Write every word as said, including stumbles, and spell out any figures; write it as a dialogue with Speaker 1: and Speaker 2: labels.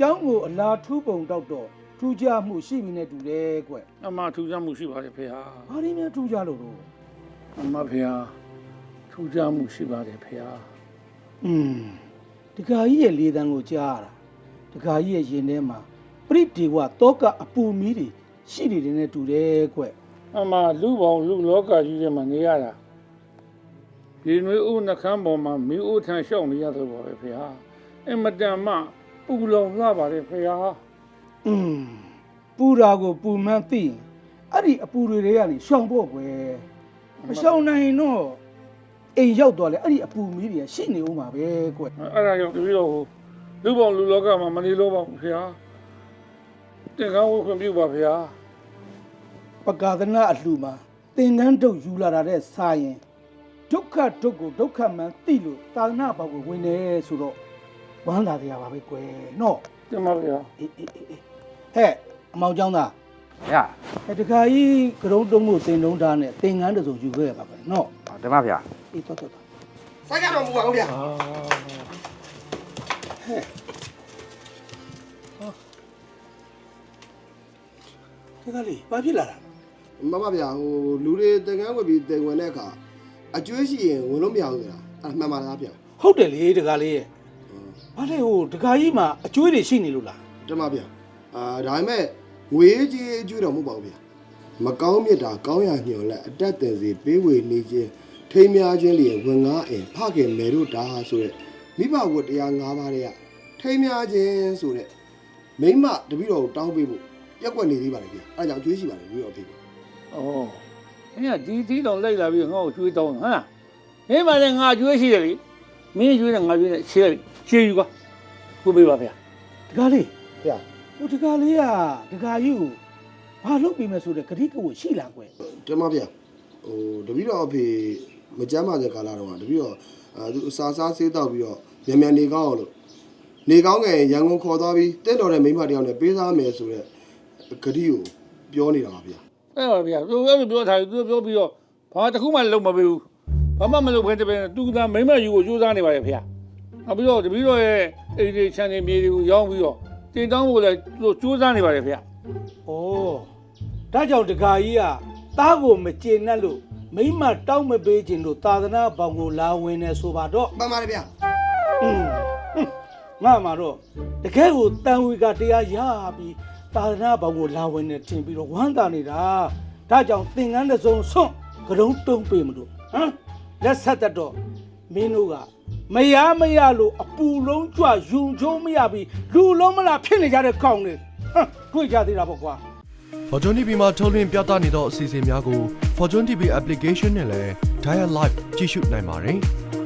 Speaker 1: ကျောင်းကိုအလားထူးပုံတော့တော့ထူးခြားမှုရှိမိနေတူတယ်ကွ။
Speaker 2: အမထူးခြားမှုရှိပါတယ်ဖေဟာ
Speaker 1: ဘာရင်းများထူးခြားလို့တော့
Speaker 2: အမဖေဟာထူးခြားမှုရှိပါတယ်ဖေဟာ
Speaker 1: อืมတခါကြီးရဲ့လေတန်းကိုကြားရတာတခါကြီးရဲ့ရင်ထဲမှာပရိဒေဝတောကအပူမီးတွေရှိနေတယ်နဲ့တူတယ်ကွ။
Speaker 2: အမလူပေါင်းလူလောကကြီးထဲမှာနေရတာဒီနွေဦးနှခမ်းပေါ်မှာမိဦးထန်ရှောက်နေရတော့ပါပဲဖေဟာအမတန်မှပူလောင်လာပါတယ်ဖေဟာ
Speaker 1: อืมပူရာကိုပူမှန်းသိရင်အဲ့ဒီအပူတွေတွေကနေရှောင်ဖို့ကွယ်မရှောင်နိုင်တော့အိမ်ရောက်သွားလဲအဲ့ဒီအပူမီးတွေရှိနေဦးမှာပဲကွ
Speaker 2: အဲ့ဒါကြောင့်တပည့်တော်လူပေါင်းလူလောကမှာမနေလို့ပါဘူးဖေဟာတင်ကောင်းဝခွင့်ပြုပါဖေဟာ
Speaker 1: ပကာသနာအလှမှာသင်္ကန်းတုတ်ယူလာတာတဲ့စာရင်ဒုက္ခဒုက္ခကိုဒုက္ခမှန်သိလို့သာသနာဘောက်ကိုဝင်နေဆိုတော့ဝမ်းသာတရားပါပဲကွယ်နော်
Speaker 2: တင်ပါဖေဟာ
Speaker 1: အေးအေးအေးဟဲ့အမောင်ကျောင်းသား
Speaker 3: ဗျာ
Speaker 1: အဲတခါကြီးကရုံးတုံးကိုတင်တုံးထားနဲ့သင်္ကန်းတစ်စုံယူခဲ့ရပါပဲနော်
Speaker 3: ဓမ္မဗျာ
Speaker 1: အေးတော်တော်တော်
Speaker 4: စိုက်ကြတော့မူပါဘူးဗျာ
Speaker 1: တခါလေးဘာဖြစ်လာတာ
Speaker 4: မမဗျာဟိုလူတွေတန်ကန်းဝယ်ပြီးတင်ဝင်တဲ့အခါအကျွေးရှိရင်ဝင်လို့မရဘူးဆိုတာအဲ့မှန်ပါလားဗျာ
Speaker 1: ဟုတ်တယ်လေတခါလေးရဲ့ဘာလဲဟိုတခါကြီးမှာအကျွေးတွေရှိနေလို့လား
Speaker 4: တမဗျာအာဒါပေမဲ့ငွေကြီးအကျွေးတော့မဟုတ်ပါဘူးဗျာမကောင်းမြတ်တာကောင်းရညွန်လက်အတက်တင်စီပေးဝေနေခြင်းထိမ်းများခြင်းလျင်ဝင်ငါအင်ဖခင်မေတို့တာဆိုတဲ့မိဘဝတ်တရား၅ပါးတွေကထိမ်းများခြင်းဆိုတဲ့မိမတပည့်တော်ကိုတောင်းပေးဖို့ပြက်ကွက်နေသေးပါလေဗျာအဲ့ကြောင့်အကျွေးရှိပါလေပြီးတော့အဖေ
Speaker 2: ဩမင်းကဒီတီးတော်လိုက်လာပြီးငါ့ကိုကျွေးတောင်းဟမ်လားမင်းမလည်းငါကျွေးရှိတယ်လေမင်းကျွေးတယ်ငါကျွေးတယ်ချေးတယ်ချေးယူကွာခုပေးပါဖေဟာ
Speaker 1: တခါလေး
Speaker 4: ဗျာ
Speaker 1: ဟိုတခါလေးကတခါကြီးကိုဘာလုပ်ပြီးမယ်ဆိုတဲ့ဂရိကဝတ်ရှိလားကွယ်
Speaker 4: တမဗျာဟိုတပည့်တော်အဖေမကြမ်းပါတဲ့ကာလတော့တပည့်တော်အဲသူအစာစားဆေးတောက်ပြီးတော့မြန်မြန်နေကောင်းအောင်လို့နေကောင်းငယ်ရန်ကုန်ခေါ်သွားပြီးတင့်တော်တဲ့မိန်းမတယောက်နဲ့ပေးစားမယ်ဆိုတဲ့ဂတိကိုပြောနေတာပါဗျာ
Speaker 2: အဲ့ပါဗျာသူအဲ့လိုပြောထားသူပြောပြီးတော့ဘာတစ်ခုမှလုံးမပေးဘူးဘာမှမလုပ်ခဲတပည့်သူကမိမယူကိုကြိုးစားနေပါလေဖေဟာနောက်ပြီးတော့တပည့်တော်ရဲ့အိမ်တွေခြံတွေမြေတွေကိုရောင်းပြီးတော့တင်တောင်းဖို့လည်းသူကြိုးစားနေပါလေဖေဟာ
Speaker 1: ဩဒါကြောင့်တခါကြီးကသားကိုမကျေနပ်လို့မိမတောင်းမပေးခြင်းလို့သာသနာဘောင်ကိုလာဝင်နေဆိုပါတော့
Speaker 4: မှန်ပါတယ်ဗျာ
Speaker 1: อืมငါမှာတော့တကယ်ကိုတန်ဝေကတရားရပြီးသာသနာဘောင်ကိုလာဝင်နေထင်ပြီးတော့ဝမ်းသာနေတာဒါကြောင့်သင်္ကန်းတစ်စုံဆွန့်ကရုံးတုံးပေးမလို့ဟမ်လက်ဆက်တတ်တော့မင်းတို့ကမရမရလို့အပူလုံးကြွယုံချုံမရပြီးလူလုံးမလားဖြစ်နေကြတဲ့ကောင်တွေဟမ်တွေ့ကြသေးတာပေါ့ကွာ
Speaker 5: Fortune တီ ဗီ မှာထုတ်လွှင့်ပြသနေသောအစီအစဉ်များကို Fortune တီ ဗီ application နဲ့လည်း Dial Live ကြည့်ရှုနိုင်ပါတယ်